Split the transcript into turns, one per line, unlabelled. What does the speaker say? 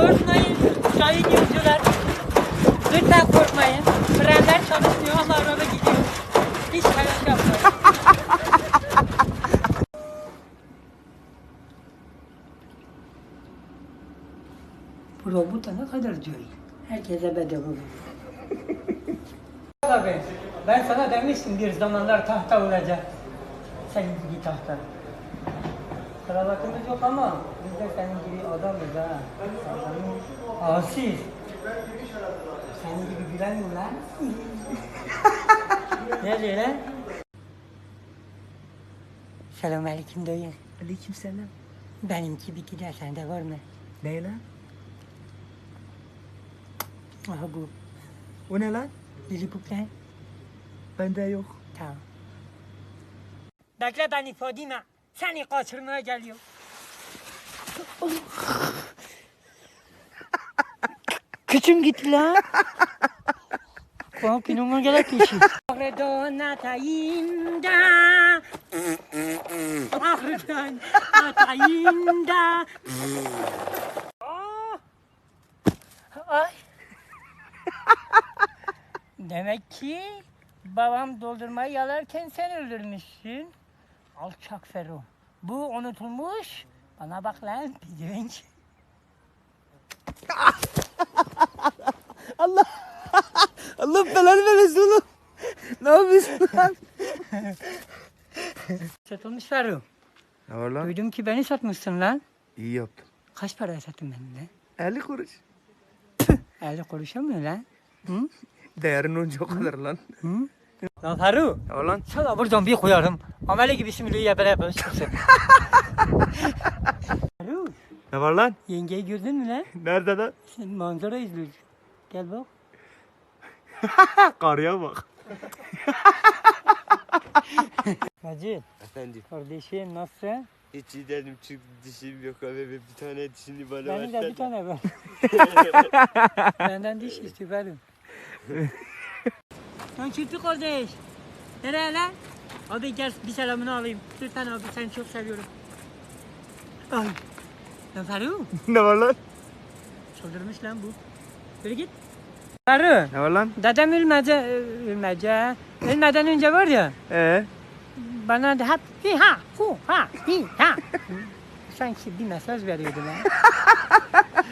Korkmayın sayın yolcular. Lütfen korkmayın. Frenler çalışmıyor ama araba gidiyor. Hiç telaş yapmayın. Bu robot da ne kadar diyor. Herkese bedava bu. Tabii. Ben sana demiştim bir zamanlar tahta olacak. Senin gibi tahta. Kravatımız yok ama biz de senin gibi adamız ha. Asil. Senin gibi bilemiyor lan. Ne diyor lan? Selamünaleyküm dayı.
Aleykümselam.
Benimki bir gider sende var mı?
Ne lan?
Aha bu.
O ne lan?
Lilliput lan.
Bende yok.
Tamam. Bekle beni Fadime. Seni kaçırmaya geliyor. Küçüm gitti lan. Bak inanma gerek kişi. Ahredan atayında. Ahredan atayında. Ay. Demek ki babam doldurmayı yalarken sen öldürmüşsün. Alçak Fero. Bu unutulmuş. Bana bak lan pidevenç.
Allah belanı vermesin oğlum. Ne yapıyorsun lan?
Satılmış Fero.
Ne var lan?
Duydum ki beni satmışsın lan.
İyi yaptın.
Kaç paraya sattın beni lan?
50 kuruş.
50 kuruşa mı lan? Hı?
Değerin onca o kadar lan.
Hı? Lan Fero.
Ne var lan?
Sana buradan bir koyarım. Amele gibi simülüğü beraber çıksın. Fero.
Ne var lan?
Yengeyi gördün mü lan?
Nerede lan?
Sen manzara izliyorsun. Gel bak.
Karıya bak.
Hacı.
Efendim,
Kardeşim nasılsın?
hiç iyi değilim çünkü dişim yok abi ve bir tane dişini bana
Benim de
versene.
bir tane var. Benden diş istiyor verin. Lan Çırpı kardeş. Nereye lan? Abi gel bir selamını alayım. Lütfen abi seni çok seviyorum. Ay. Lan Faruk.
Ne var lan?
Çıldırmış lan bu. Böyle git. Faruk.
Ne var lan?
Dedem ölmeden önce var ya. Bana da hep hi ha hu ha hi ha. Sanki bir mesaj veriyordu lan.